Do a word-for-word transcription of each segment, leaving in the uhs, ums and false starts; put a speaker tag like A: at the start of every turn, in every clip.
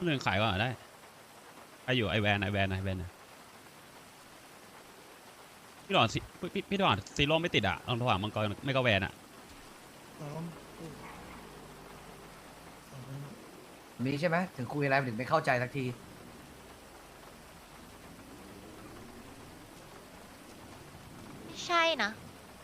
A: คนอื่นขายก่อนได้ใครอยู่ไอแวนไอแวนไอแวนพี่หลอนพี่พี่หลอนซีโร่ไม่ติดอ่ะลองโทรหามังกรไม่ก็แวนอ่ะ
B: มีใช่ไหมถึงคุยอะไรถึงไม่เข้าใจสักที
C: ไม่ใช่นะ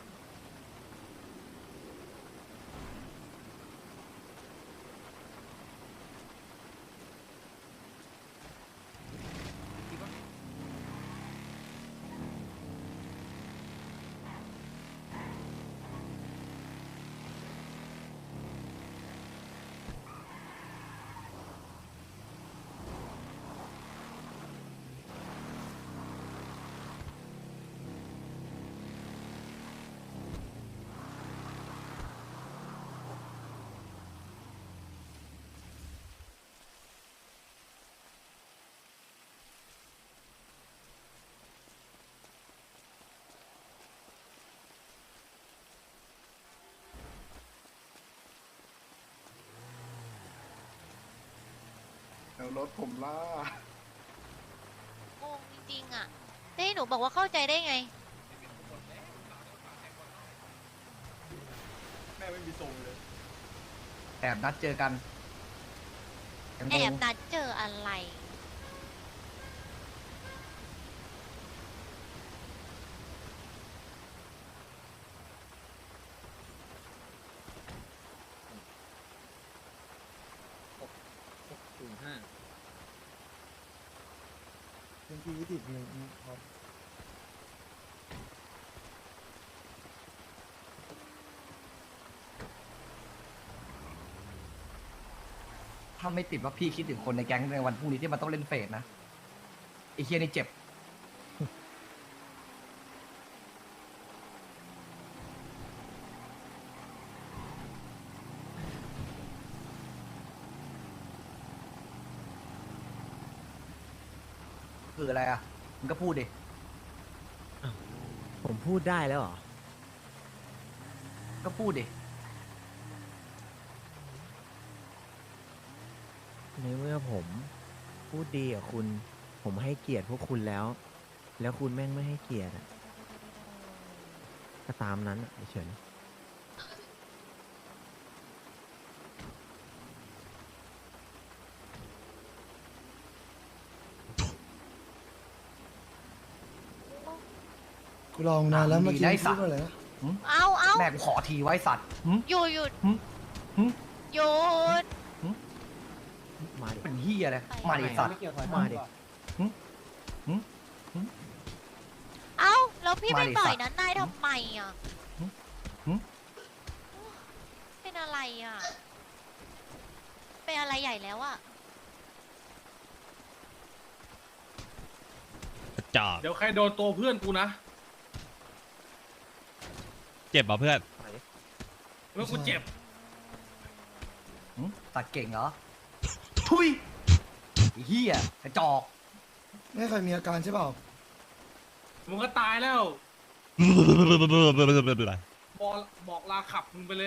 D: แล้วรถผมล่าง
C: งจริงๆอ่ะได้หนูบอกว่าเข้าใจได้ไง
D: แม่ไม่มีทรงเลย
B: แอบนัดเจอกันยัง
C: แอบ
B: งง
C: นัดเจออะไร
B: ถ้าไม่ติดว่าพี่คิดถึงคนในแก๊งในวันพรุ่งนี้ที่มันต้องเล่นเฟสนะไอ้เฮียนี่เจ็บคืออะไรอ่ะมึงก็พูดดิ
E: ผมพูดได้แล้วเหรอ
B: ก็พูดดิ
E: ในเมื่อผมพูดดีกับคุณ ผมให้เกียรติพวกคุณแล้ว แล้วคุณแม่งไม่ให้เกียรติอะก็ตามนั้นอะเฉย
F: กูลองนานแล้วเมื่อกี้
B: ได้
F: พู
B: สั
F: ด
B: ตว์
F: ว่าอะไรนะ
C: เอาเอา
B: แม่กูขอทีไว้สัตว์หึ
C: หยุดหยุด
B: หึหึ
C: หยุด
E: มาดิ
B: เป็นเฮียเลยมาดิสัตว์
E: มาดิ
C: เอาแล้วพี่
B: มา
C: ไม่
B: ดิ
C: ปล่อ
B: สั
C: ย
B: ตว์
C: นั้นนายทำไมอ่ะ
B: หึหึ
C: เป็นอะไรอ่ะเป็นอะไรใหญ่แล้วอ่ะ
A: กระจอก
G: เดี๋ยวใครโดนตัวเพื่อนกูนะ
A: เจ็บป่ะเพื่อน
G: เมื่อกูเจ็บ
B: หึตัดเก่งเหรอ ทุยไอ้เฮียกระจอก
F: ไม่เคยมีอาการใช่เปล่า
G: มึงก็ตายแล้ว บอกบอกลาขับมึงไปเลย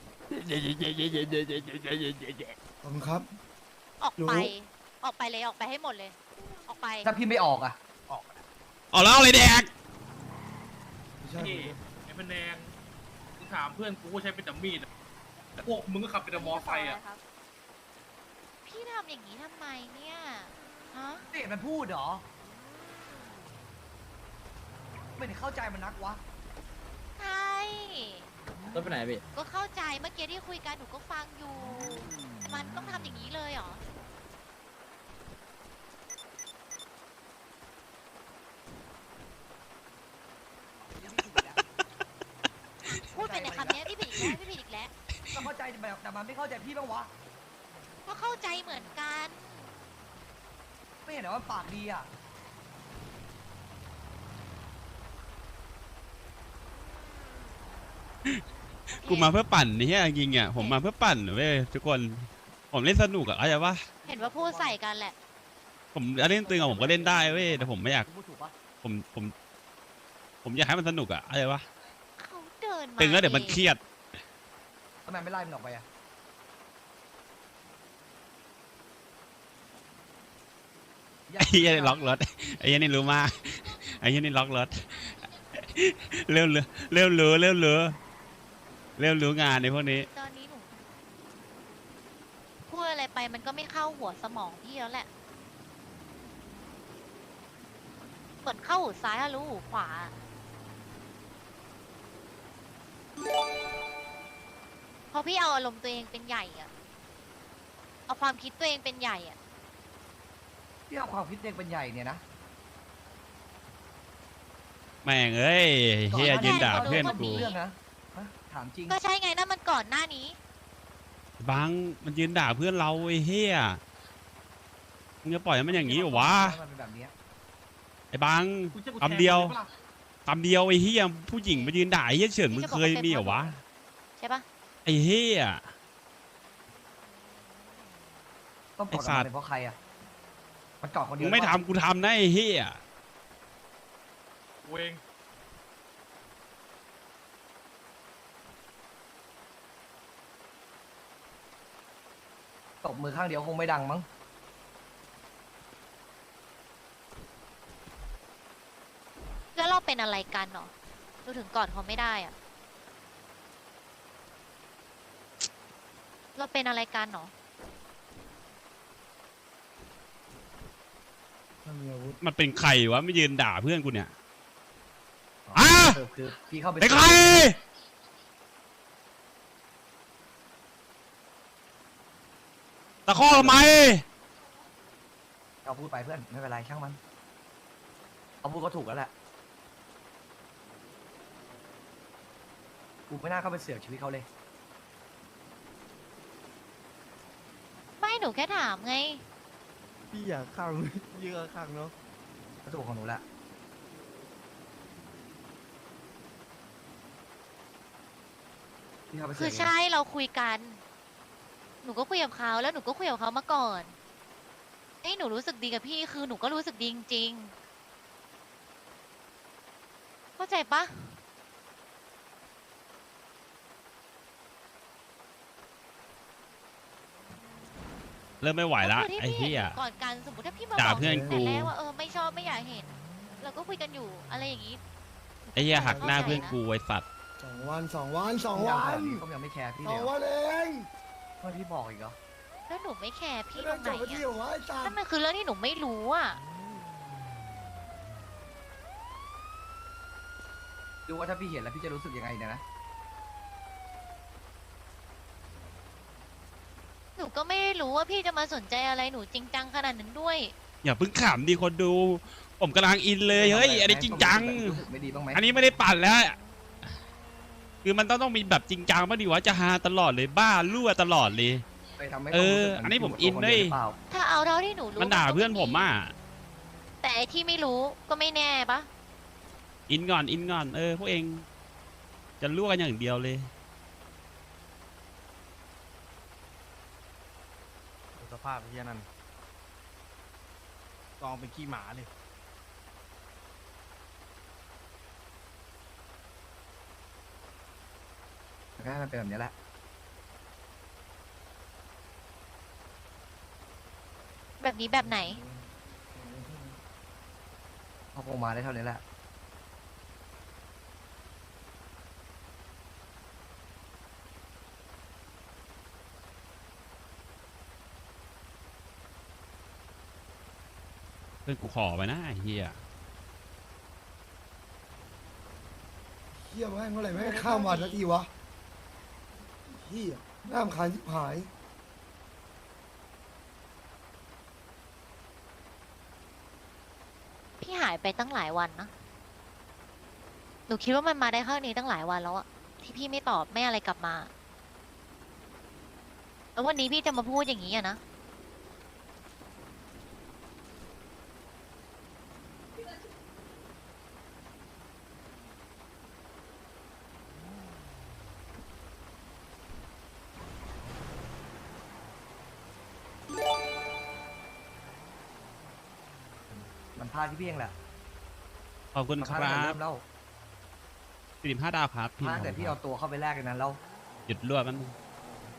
F: ขอบคุณครับ
C: ออก
F: รู้
C: ไป ออกไปเลยออกไปให้หมดเลย ออกไป
B: ถ้าพี่ไม่ออกอ่ะ
A: เอาแล้วอะไรแดก
F: ไม่ใช่
G: นี่ไอ้พะแนงกูถามเพื่อนกูก็ใช้เป็นแต่มีดอะแต่พวกมึงก็ขับเป็นแต่มอไซค์อ่ะ
C: พี่ทำอย่างนี้ทำไมเนี่ย ฮะ
B: ไม่เห็นมันพูดเหรอ ไม่ได้เข้าใจมันนักวะ
C: ใช่
H: รถไปไหนพี่
C: ก็เข้าใจเมื่อกี้ที่คุยกันหนูก็ฟังอยู่แต่มันต้องทำอย่างนี้เลยเหรอ พูดไปในคำนี้พี่ผิดอีกแล้วพี่ผิดอีกแล้ว
B: ก็เข้าใจแบบแต่มันไม่เข้าใจพี่บ้างวะ
C: ก็เข้าใจเหมือนกัน
B: ไม่เห็นเหรอว่าปากดีอ่ะ
A: กูมาเพื่อปั่นนี่จริงๆอ่ะผมมาเพื่อปั่นเว้ยทุกคนผมเล่นสนุกอ่ะเข้าใจปะ
C: เห็นว่าพูดใส่กันแหละ
A: ผมเล่นตึงอ่ะผมก็เล่นได้เว้ยแต่ผมไม่อยาก
B: กูพูดถูกปะ
A: ผมผมผมอยากให้มันสนุกอ่ะเข้าใจปะ
C: เขาเดินมา
A: ตึงแล้วเดี๋ยวมันเครียด
B: ทำไมไม่ไล่มันออกไปอ่ะอย่า
A: ไอ้เหี้ยนี่ล็อกรถไอ้เหี้ยนี่รู้มากไอ้เหี้ยนี่ล็อกรถเร็วเร็วเร็วเร็วเร็วเร็วเร็วรู้งานในพวกนี้
C: ตอนนี้หนูพูดอะไรไปมันก็ไม่เข้าหัวสมองพี่แล้วแหละเหมือนเข้าหูซ้ายอะรู้หูขวา พอพี่เอาอารมณ์ตัวเองเป็นใหญ่อะเอาความคิดตัวเองเป็นใหญ่อะ
B: พี่เอาความคิดเด็กเป็นใหญ่เนี่ยนะ
A: แม่งเอ้ยเฮียยืนด่าเพื่อน
B: ก็
A: กู
B: มีเรื่องนะฮะถามจริง
C: ก็ใช่ไงนั่นมันก่อนหน้านี้
A: บังมันยืนด่าเพื่อนเราไอ้เฮียมึงจะปล่อยให้มันอย่างนี้เหรอวะ
B: มันเป็นแบบเนี้ย
A: ไอ้บัง
G: กูจะกู
A: คำเดียว
G: แทงมึงปะล่ะ
A: คำเดียวไอ้เฮียผู้หญิงมายืนด่าไอ้เฮียเฉินมึงเคยมีเหรอวะ
C: ใช่ปะ
A: ไอ้เฮีย
B: ต้องกอด
A: ไอ้สั
B: กั
A: ต
B: น
A: ว์
B: เป็นเพราะใครอ่ะมันกอดคนเดี
A: มึ
B: ยว
A: งไม่
B: หรือเปล่า
A: ทำกูทำนะไอ้เฮีย
G: กูเอง
B: ตบมือข้างเดียวคงไม่ดังมั้ง
C: แล้วเราเป็นอะไรกันเนาะเราถึงกอดเขาไม่ได้อะเราเป็นอะไรกันเนาะ
F: ถ้ามีอาวุธ
A: มันเป็นใครวะไม่ยืนด่าเพื่อนกูเนี่ย อ่ะ
B: คือคือพี่เข้าไป
A: เป็นใครตะข้อทำไม
B: เอาพูดไปเพื่อนไม่เป็นไรช่างมันเอาพูดก็ถูกแล้วแหละกูไม่น่าเข้าไปเสือกชีวิตเขาเลย
C: ไม่หนูแค่ถามไง
E: พี่อยากขังเยอะขังเนาะ
B: ก็ถูกของหนูแหละพี่เข้าไปเสื
C: คือ
B: อกเอง
C: ใช่เราคุยกัน หนูก็คุยกับเขาแล้วหนูก็คุยกับเขามาก่อนให้หนูรู้สึกดีกับพี่คือหนูก็รู้สึกดีจริงๆเข้าใจปะ
A: เริ่มไม่ไหวละ
C: ก็คือที่
A: ไอ้
C: พี่
A: เหี้ย
C: เห็นก่อนกันสมมติถ้าพี่มา
A: ด่า
C: บอก
A: เพื่อน
C: แต่
A: กู
C: แรกว่าเออไม่ชอบไม่อยากเห็น เราก็คุยกันอยู่อะไรอย่างนี้
A: ไอ้เหี้ยหักหน้าเพื่อนกูไอ้สัตว์
F: สองวันสองวันสอง
B: พี่
F: วั
B: เอาแบ
F: น
B: บนี้เขายังไม่แคร์พี่
F: ส
B: เล
F: อย ง
B: เหรอ
F: วันเอง
B: ทำไมพี่บอกอีกเหรอ
C: แล้วหนูไม่แคร์พี่ต
F: ไม่
C: ร
F: ได้
C: งไหน
F: จบไปที่
C: อะ
F: หัวไอ้ตา
C: นั่นมันคือเรื่องที่หนูไม่รู้อ่ะ
B: ดูว่าถ้าพี่เห็นแล้วพี่จะรู้สึกยังไงเนี่ยนะ
C: หนูก็ไม่ได้รู้ว่าพี่จะมาสนใจอะไรหนูจริงจังขนาดนั้นด้วย
A: อย่าเพิ่งขำดิคนดู ผมกำลังอินเลยเฮ้ยอันนี้จริงจัง
B: รู้สึกไม่ดีบ้างไหม
A: อันนี้ไม่ได้ปั่นแล้ว คือมันต้องต้องมีแบบจริงจังบ้างดิวะจะฮาตลอดเลยบ้ารั่วตลอดเลย
B: ไปทำให้
A: เออ
B: ขารู้สึก
A: อันนี้ผม
B: เห
A: อิน
B: ตัวค
A: ด้วย
B: หรือเปล่า
C: ถ้าเอาเท่าที่หนูรู้
A: มันด่า
C: ก็
A: เพื่อนผมอ่ะ
C: แต่ไอ้ที่ไม่รู้ก็ไม่แน่ปะ
A: อินก่อนอินก่อนเออพวกเองจะรั่วกันอย่างเดียวเลย
E: สภาพเฮียนั่นกองเป็นขี้หมาเลย
B: มันก็ให้มันเป็นแบบนี้แหละ
C: แบบนี้แบบไหน
B: เขาคงมาได้เท่านี้แหละ
A: เพื่อนกูขอไปนะไอ้เฮีย
F: เฮียแม่งเมื่อไหร่แม่งข้ามวันสักทีวะเฮียน่ารำคาญชิบหาย
C: พี่หายไปตั้งหลายวันนะ หนูคิดว่ามันมาได้ข้างนี้ตั้งหลายวันแล้วอะที่พี่ไม่ตอบไม่อะไรกลับมา แล้ววันนี้พี่จะมาพูดอย่างนี้อะนะ
B: มันพลาดที่พี่เองแหละ
A: ขอบคุณ
B: มัน
A: ค
B: พลาด
A: รั
B: ตั้งแต่
A: บ
B: เริ่มแล้ว
A: สี่สิบห้าดาวครับ
B: พลาดแต่พี่เอาตัวเข้าไปแลกกันนั้นแล้ว
A: หยุดรั่วมันง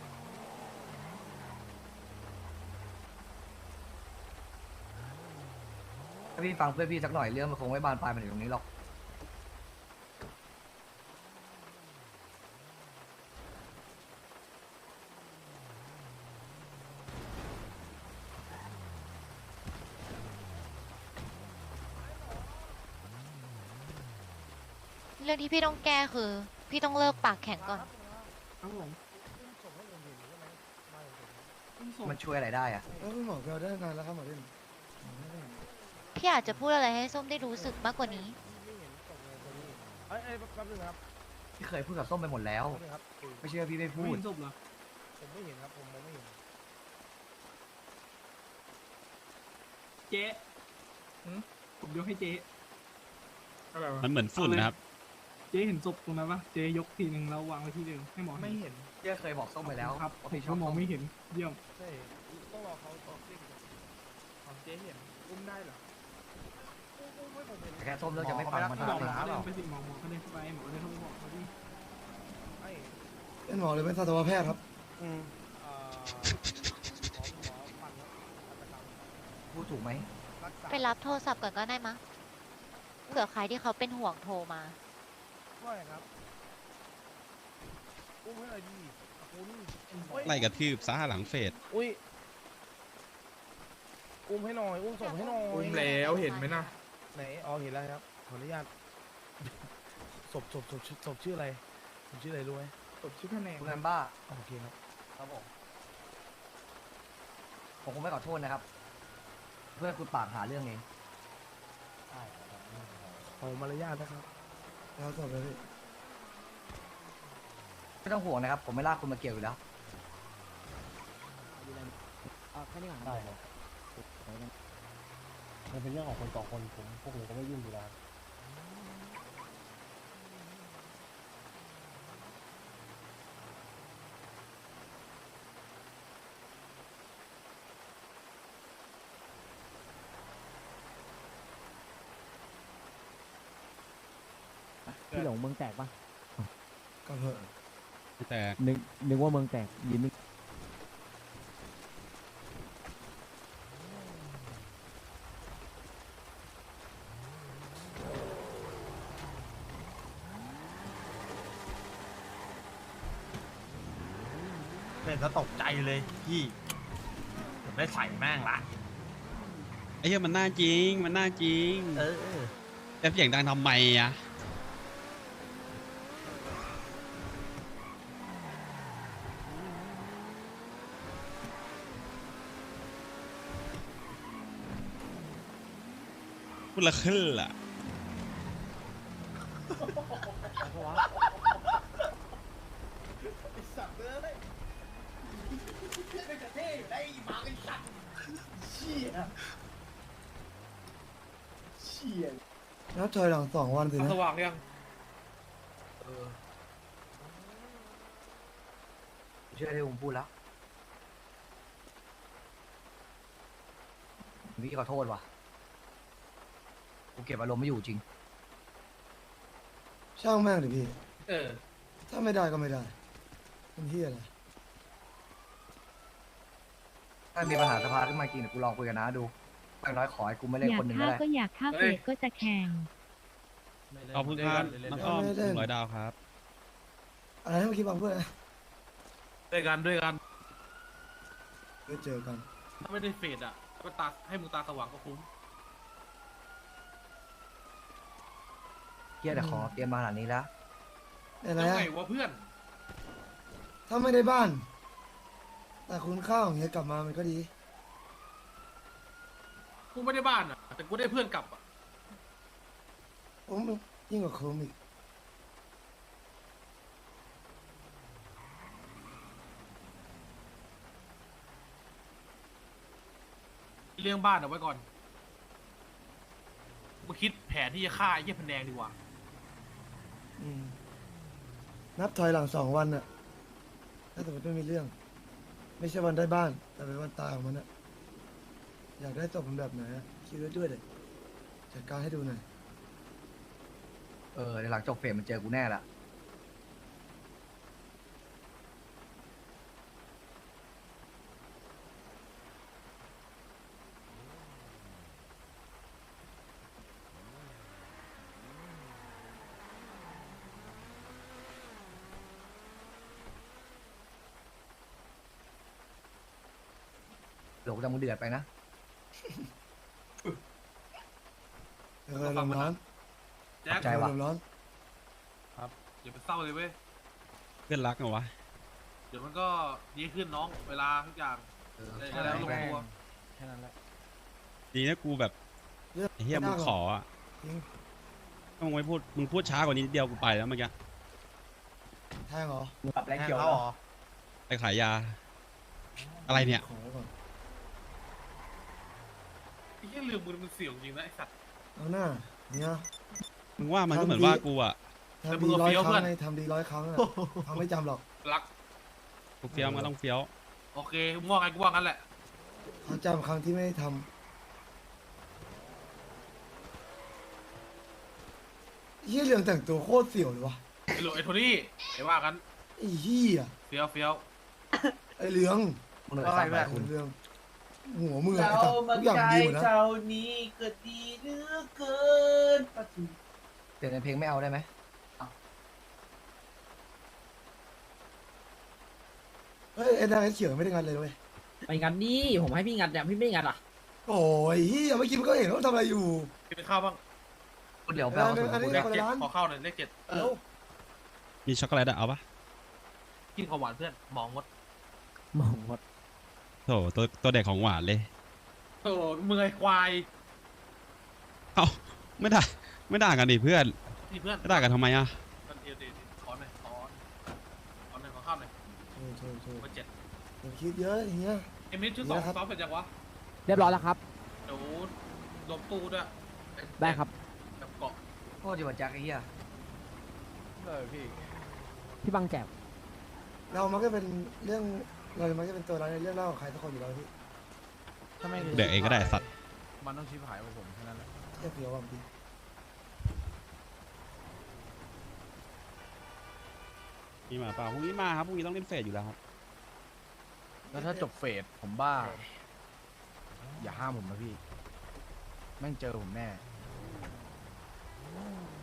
B: พาพี่ฟังเพื่อนพี่สักหน่อยเรื่องมันคงไม่บานปลายมาถึงตรงนี้หรอก
C: เรื่องที่พี่ต้องแก้คือ พี่ต้องเลิกปากแข็งก่อน
G: ครับผม
B: มันช่วยอะไรได้อะ
F: แล้วคุณหมอเราได้นานแล้วครับหมอเด่น
C: พี่อาจจะพูดอะไรให้ส้มได้รู้สึกมากกว่านี้
I: เอ้ยเอ้ยแป๊บนึงนะครับ
B: พี่เคยพูดกับส้มไปหมดแล้ว
I: แป๊บนึงครับคือ
B: ไม่เชื่อพี่ไม่
G: ไม่
B: พูด
G: เห็นศพเหรอ
I: ผมไม่เห็นครับผมมองไม่เห็น
G: เจ๊ผมยกให้เจ๊อะไรวะ
A: มันเหมือนฝุ่นนะครับ
G: เจ๊เห็นศพตรงนั้นปะเจ๊ยกทีหนึ่งแล้ววางไว้ที่เดิมให้หมอ
B: ไม่เห็นเจ๊เคยบอกส้มไปแล้ว
G: ครับ
B: ว่า
G: ผม
B: พี่ช
G: ก็
B: อบ
G: มอง
B: ส้ม
G: ไม่เห็นเยี่ยม
I: ใช่ต้องรอเขาตอบซิ่งของเจ๊เห็นอุ้มได้เหรออุ้มอุ้มให้ผมเห็น
B: แต่แค่ส้มเลือกจะไม่ฟังมัน
G: หม
B: เท่า
G: อ
B: นั้น
G: เขา
B: เอง
G: เดินไปสิหมอหมอเขาเดินเข้าไปหมอเดินเข้าไปบอกเขาดิ
I: ไอ้
F: เป็นหมอหรือเป็นสัตวแพทย์ครับ
I: อืมเอ่อหมอหมอฟันครับฆาตกรรม
B: พูดถูกไหม
I: รักษา
C: ไปรับโทรศัพท์ก่อนก็ได้มะเผื่อใครที่เขาเป็นห่วงโทรมา
I: ว่าไงครับอุ้มให้หน่อยดิคุณเฮ้ย
A: ไล่กระทืบซ่าหลังเฟด
I: อุ้ยอุ้มให้หน่อยอุ้มส่งให้หน่อย
G: อุ้มแล้วเห็นไหมนะ
I: ไหนอ๋อเห็นแล้วครับขออนุญาตศพศพศพศพชื่ออะไรศพชื่ออะไรรู้ไหม
G: ศพชื่อคะแนน
B: คุณนันบ้า
I: โอเคครับ
B: ครับผมผมคงไม่ขอโทษนะครับ เพื่อนคุณปากหาเรื่องเอง
I: ขอมารยาทนะครับ
F: แล้วจบเลยพี่
B: ไม่ต้องห่วงนะครับ ผมไม่ลากคุณมาเกี่ยวอยู่แล้ว
H: แค่นี้ก่อนได้ครับมันเป็นเรื่องของคนสองคนผมพวกผมก็ไม่ยุ่งอยู่แล้ว
E: พี่หลงเมืองแตกปะ
F: ก็เถอะ
A: แต่
E: นึกนึกว่าเมืองแตกยืนนึก
J: เห็นแล้วตกใจเลยพี่ผมได้ใส่แม่งละ
A: ไอ้เหี้ยมันน่าจริง มันน่าจริง
J: เออ
A: แต่เสียงดังทำไมอะพูดละขึ้นล่ะ
F: แล้วถอยหลังสองวันสินะ
G: สว่างยัง
B: เชื่อที่ผมพูดแล้วพี่ขอโทษว่ะกูเก็บอารมณ์ไม่อยู่จริง
F: ช่างแม่งดิพี่
G: เออ
F: ถ้าไม่ได้ก็ไม่ได้เป็นที่อะไร
B: ถ้ามีปัญหาสภาขึ้นมาจริงเดี๋ยวกูลองคุยกันนะดูอย่างน้อยขอให้กูไม่เล่น
K: อยา
B: ค
K: ก
B: นหนึ่ง
K: ฆ่า
B: ก็ได้
K: ก็อยากฆ่า
G: เฮ้
K: เฟ
G: ย
K: ดก็จะแข่ง
A: ขอบคุณครับน้องอ้อมหนึ่งร้อยดาวครับ
F: อะไรนะเมื่อกี้บางเพื่อนนะ
J: ด้วยกันด้วยกัน
F: เดี๋ยวเจอกัน
G: ถ้าไม่ได้เฟดอ่ะก็ตาให้มึงตาสว่างก็คุ้ม
B: เฮียแต่ขอเตรียมมาขนาดนี้แล้ว
F: อะไร
G: แล้ว
F: อะ
G: ไงวะเพื่อน
F: ถ้าไม่ได้บ้าน แต่คุณข้าวอย่างเงี้ยกลับมามันก็ดี
G: กูไม่ได้บ้านอ่ะ แต่กูได้เพื่อนกลับอ่ะ
F: ผมยิ่งกว่าโคมอีก
G: เลี้ยงบ้านเอาไว้ก่อนกูคิดแผนที่จะฆ่าไอ้เหี้ยพนแดงดีกว่า
F: อืมนับถอยหลังสองวันน่ะถ้าสมมติไม่มีเรื่อง ไม่ใช่วันได้บ้าน แต่เป็นวันตายของมันน่ะอยากได้ศพมันแบบไหนอะคิดไว้ด้วยเลยจัดการให้ดูหน่อย
B: เออเดี๋ยวหลังจบเฟรมมันเจอกูแน่ละดี๋ยวจะมึงเดือดไปนะ
F: เออลมร้อน
G: แจ็ค
B: ใจว่ะ
F: ลมร้อน
G: อย่าไปเศร้าเลยเว้ย
A: เพื่อนรักเหรอวะ
G: เดี๋ยวมันก็ดีขึ้นน้องเวลาทุกอย่าง
B: เออ
G: ได้แล้วลงตัว
H: แค่นั้นแหละ
A: ดีนะกูแบบ
F: เลือก
A: ไอ้เฮียมึงขออ่ะ
F: จริง
A: ถ้ามึงไม่พูดมึงพูดช้ากว่านี้นิดเดียวกูไปแล้วเมื่อกี้
F: แทงเหรอ
B: ปรับแรง
J: แทง
B: เขียว
J: เขา
B: เหร
J: เหร
B: อ
J: อ
A: ไปขายยา อะไรเนี่ย
F: ขอก่อน
G: ไอ้เหี้ยเรื่องมึงมันเสี่ยวจริงนะไอ้สัตว์
F: เอาหน้าเนี่ย
A: มึงว่ามันก็เหมือนว่ากูอ่ะ
G: แต่
F: ทำ
G: มึ
F: ดี
G: ง
F: ร้อย
G: เฟี้ยว
F: ครั้ง
G: เพื่อน
F: ไงทำดีร้อยครั้งอะเขาไม่จำหรอก
G: รัก
A: กูเฟี้ยวมันก็ต้องเฟี้ยว
G: โอเคมึงว่าไงกูว่างั้นแหละ
F: เขาจำครั้งที่ไม่ได้ทำเฮียเรื่องแต่งตัวโคตรเสี่ยวเลยวะ
G: ไอ้โหลไอ้โทนี่ไอ้ว่ากัน
F: ไอ้เฮีย
G: เฟี้ยวเฟี้ยว
F: ไอ้เหลือง
B: มึงเหนื่อย
J: ว่า
B: สั
J: ไง
B: ก
J: แบ
B: แบบ บคุณ
F: เรื่องหัวมือไอ้สัตว์ทุกอย่างดีหมดนะ
J: นี้ก็ดีเหลือเกิน
B: เปลี่ยนเป็นเพลงไม่เอาได้ไหม
F: เฮ้ยไอ้นางไอ้เขียวไม่ได้งานเลยเว้ย
H: ไปงัดดิผมให้พี่งัดเนี่ยพี่ไม่งัดอ่ะ
F: โอ้ยเฮียเมื่อกี้มันก็เห็นว่าทำอะไรอยู่
G: กินข้าวบ้าง
B: เดี๋ยวไปเอาส่วน
F: อันนี้
B: คุณ
G: เล
B: นะ
G: ขเจ็ด
F: คนละร้าน
G: ขอข้าวหน่อยเลขเจ็ด
F: เดี๋ยว
A: มีช็อกโกแลตอะเอาปะ
G: กินของหวานเพื่อนหมองมด
H: มองหมด
A: โถตัวตัวเด็กของหวานเลย
G: โอ้มึงไอ้ควาย
A: เอ้าไม่ด่าไม่ด่ากันดิเพื่อน
G: นี่เพื่อน
A: ไม่ด่ากันทำไมอะ
G: มันเดียวเดียวขอหน่อยขอขอหน่อยขอข้าวหน่อย
F: โถ่โถ่โถ่
G: เบอร์เจ็ด
F: อย่าคิดเยอะเฮีย
G: เอ็มนิดชุดสอง
F: นี่นะครับ
G: ซ้อมเป็นยังวะ
H: เรียบร้อยแล้วครับ
G: เดี๋ยวรวมตู้ด้วย
H: ได้ครับ
G: กับเกาะ
B: โคตรจะมาแจ็คไอ้เหี้ย
H: พี่บังแจก
F: เรามันก็เป็นเรื่องเรามันก็เป็นตัวร้ายในเรื่องเล่าของใครสักคนอยู่แล้วพี่
J: ถ้าไม่
A: เด็กเองก็ได้สัตว์
J: มันต้องชิบหายกว่าผมแค่นั้นแหละ
F: เทียบเดียวกับพี่
A: มีมาเปล่าพรุ่งนี้มาครับพรุ่งนี้ต้องเล่นเฟสอยู่แล้วครับ
J: แล้วถ้าจบเฟสผมบ้า อย่าห้ามผมนะพี่ แม่งเจอผมแน่